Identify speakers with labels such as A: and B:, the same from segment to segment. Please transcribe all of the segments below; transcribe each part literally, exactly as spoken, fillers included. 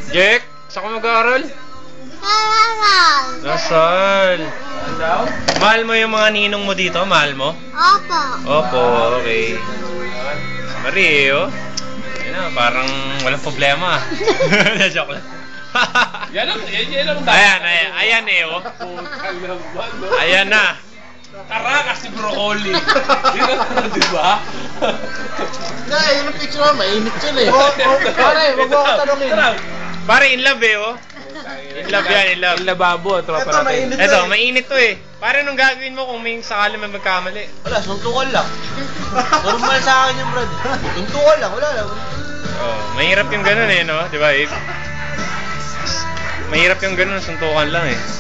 A: Jack, saan ka mag-aaral?
B: Lasal.
A: Lasal. Mahal mo yung mga ninong mo dito? Mahal mo?
B: Opo.
A: Opo, okay. Marie, oh. Ayun na, parang walang problema. Joke lang.
C: Yan lang, yan, yan lang.
A: Ayan, ayan, ayan eh, oh. Ayan na.
C: Tara kasi broccoli. Yun ang di ba?
D: Na, yun ang picture mo, mainit yun eh. Pare, wag mo ako tanongin.
A: Pare, in love eh, oh. In love yan, in love.
C: Yung lababo, tropa
D: Ito,
C: natin.
D: mainit.
A: Eto, mainit to eh. Pare, nung gagawin mo kung may sakali may magkamali?
D: Wala, suntukan lang. Normal sa akin yung brad. Suntukan lang, wala lang.
A: Oh, mahirap yung ganun eh, no? Di ba, Abe? Mahirap yung ganun, suntukan lang eh.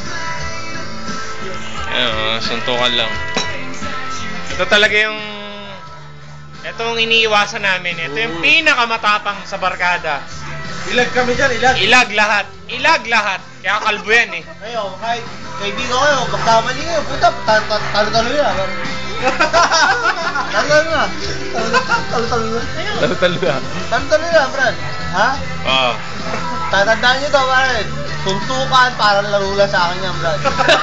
A: Ayun, suntukan lang. Ito talaga yung... Ito yung iniiwasan namin. Ito yung pinakamatapang sa barkada.
D: Ilag kami dyan, ilag.
A: Ilag lahat. Ilag lahat. Kaya kalbo yan eh.
D: Ngayon, kahit kaibigan ko kayo, magkamali kayo, puta, talo-talo na. Talo-talo na. Talo-talo na.
C: Talo-talo na.
D: Talo-talo na, brad. Ha?
A: Oo.
D: Tatandaan nyo to, brad. Suntukan, parang laro lang sa akin yan, brad.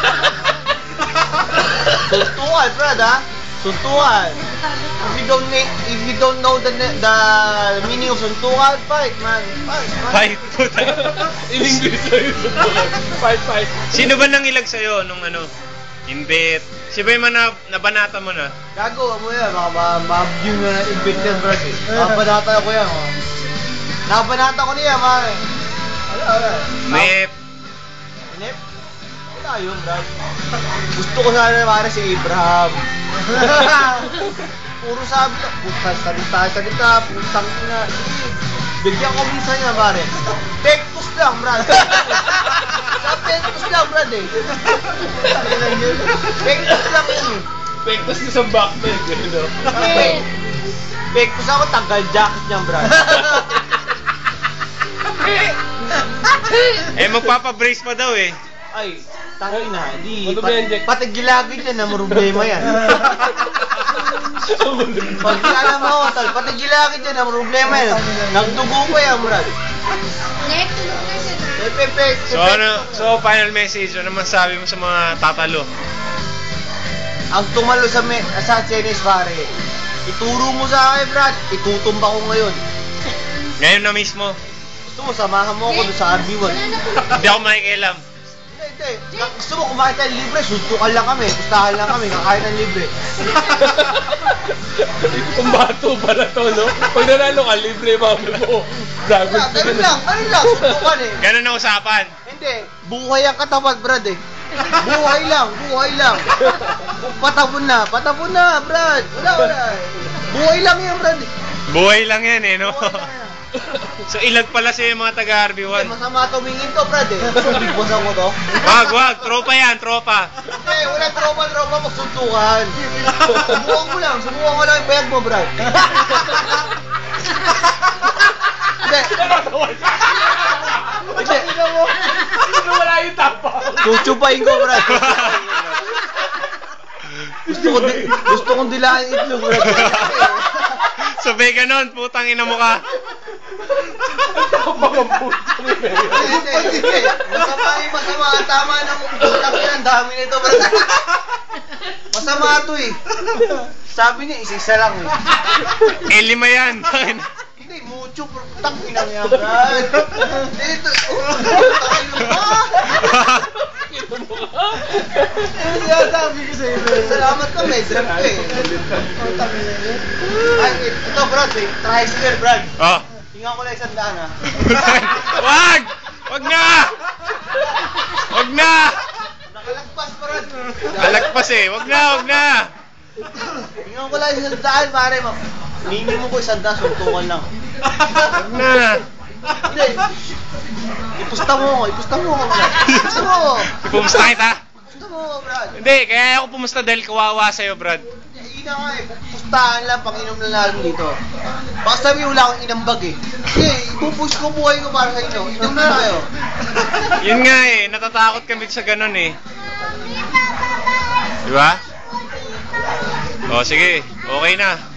D: Suntukan, brad, ha? Suntukan. If you don't na- if you don't know the the meaning of suntukan, fight, man. Fight, man.
A: Fight po tayo.
C: In English na yun. Fight, fight.
A: Sino ba nang ilag sa'yo nung ano? Imbit. Si ba yung na, nabanata mo na?
D: Gago, mo yan. Baka ma-view nyo na invite yan, brad. Nakabanata ko yan, oh. Nakabanata ko niya, man. Wala, wala.
A: Mep.
D: Inip? Wala yun, brad. Gusto ko sana naman si Abraham. Puro sabi ka, puta, salita, salita, putang ina. Bigyan ko minsan niya, pare. Pektos lang, brad. Sa pektos lang, brad, eh. Pektos lang yun, eh.
C: Pektos na sa backpack, you know?
D: Kasi, pektos ako, tanggal jacket niya, brad.
A: Eh, magpapabrace pa daw eh.
D: Ay, tangin na, di.
C: Ano ba yan, Jack?
D: Pati gilagid yan, na problema yan. Pag alam mo ako, tal, pati gilagid yan, na problema yan. Nagdugo pa yan, brad.
B: Next, tulog na siya.
D: Pepe,
A: So ano, so final message, ano masasabi mo sa mga tatalo?
D: ang tumalo sa me sa tennis, pare. Ituro mo sa akin, brad. Itutumba ko ngayon.
A: Ngayon na mismo,
D: Gusto mo, samahan mo ako doon sa R B one.
A: hindi ako makikialam.
D: Hindi, hindi. Gusto mo kumain tayo libre, suntukan lang kami, pustahan lang kami, kakain ng libre.
C: Kung bato pala to, no? Pag nanalo ka, libre mami mo. Dragon
D: Wala, ganun lang, ganun lang, suntukan eh.
A: Ganun na usapan.
D: Hindi, buhay ang katapat, brad eh. Buhay lang, buhay lang. Patapon na, patapon na, brad. Wala, wala. Buhay lang yan, brad.
A: Buhay lang yan eh, no?
D: Buhay lang yan.
A: So ilag pala siya yung mga taga-R B
D: Hindi,
A: one.
D: masama tumingin to, brad eh. Big boss ako to.
A: Wag, wag, tropa yan, tropa.
D: Hindi, wala tropa-tropa magsuntukan. Subukan ko lang, subukan ko lang yung bayag mo, brad. Hindi. Hindi.
C: Sino wala yung tapa?
D: Chuchupain ko, brad. Gusto ko, di- gusto kong dilaan yung itlog, brad.
A: Sabay ganon, putang ina mo ka.
D: Hindi, hindi, hindi. Masama yung masama. Tama na mong putang yan. Ang dami nito, brad. Masama ito eh. Sabi niya, isa-isa lang eh.
A: Eh, lima yan.
D: Hindi, mucho. Putang ina niya, brad. Dito. Putang ina mo. Sinasabi ko sa'yo. Salamat ka, may drop ka eh. Ay, ito, brad eh. Tricycle, brad.
A: Oh.
D: Tingnan ko lang isang daan, ha.
A: Wag! Wag na! Wag na!
D: Nakalagpas, brad.
A: Alagpas eh. Wag na, wag na.
D: Tingnan ko lang isang daan, pare. Ningin mo ko isang daan, suntukan lang.
A: Wag na.
D: Hindi. Ipusta mo ako, ipusta mo ako, brad. Ipusta mo ako.
A: Ipumusta kita?
D: Ipusta mo ako, brad.
A: Hindi, kaya ako pumusta dahil kawawa sa'yo, Brad.
D: Ina nga eh, pustahan lang, pang-inom na natin dito. Baka sabi wala akong inambag eh. Hindi, ipupush ko buhay ko para sa inyo. Inom na tayo.
A: Yun nga eh, natatakot kami sa ganun eh. Di ba? O sige, okay na.